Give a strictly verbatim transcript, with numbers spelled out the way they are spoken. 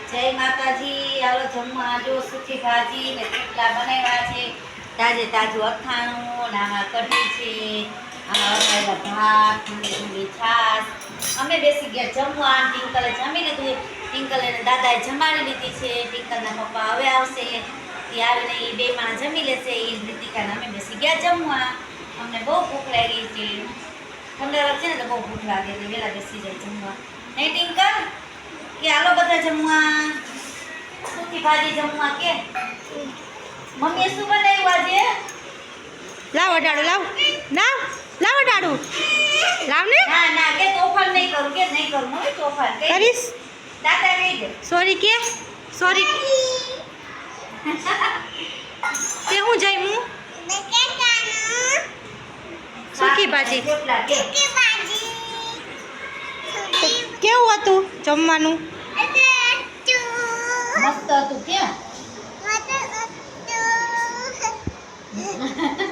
જય માતાજી। હાલો જમવા જો સુકી ભાજી ને થેપલા બનાવ્યા છે, તાજે તાજું અથાણું ને આમાં કઢી છે, આમાં વઘારેલા ભાત, ઠંડી ઠંડી છાશ। અમે બેસી ગયા જમવા। ટિંકલે જમી લીધું, ટિંકલ અને દાદાએ જમાડી લીધી છે। ટિંકલના પપ્પા હવે આવશે, એ આવીને એ બે માણસ જમી લેશે। એ રીતિકાને અમે બેસી ગયા જમવા। અમને બહુ ભૂખ લાગી છે, ઠંડા છે ને તો બહુ ભૂખ લાગે એટલે વહેલા બેસી જાય જમવા, નહીં ટિંકલ? કે હાલો બધા જમવા, સુકી ભાજી જમવા કે મમ્મીએ શું બનાવ્યું આજે? લાવ અડાડું, લાવ લાવ લાવ અડાડું, લાવ ને। ના ના કે તોફાન નહીં કરું, કે નહીં કરું મમ્મી તોફાન કહી દે। કરીશ દાદા કહી દે સોરી કે સોરી કે હું જઈમું સુકી ભાજી થેપલા કે કેવું હતું જમવાનું? મસ્ત હતું કે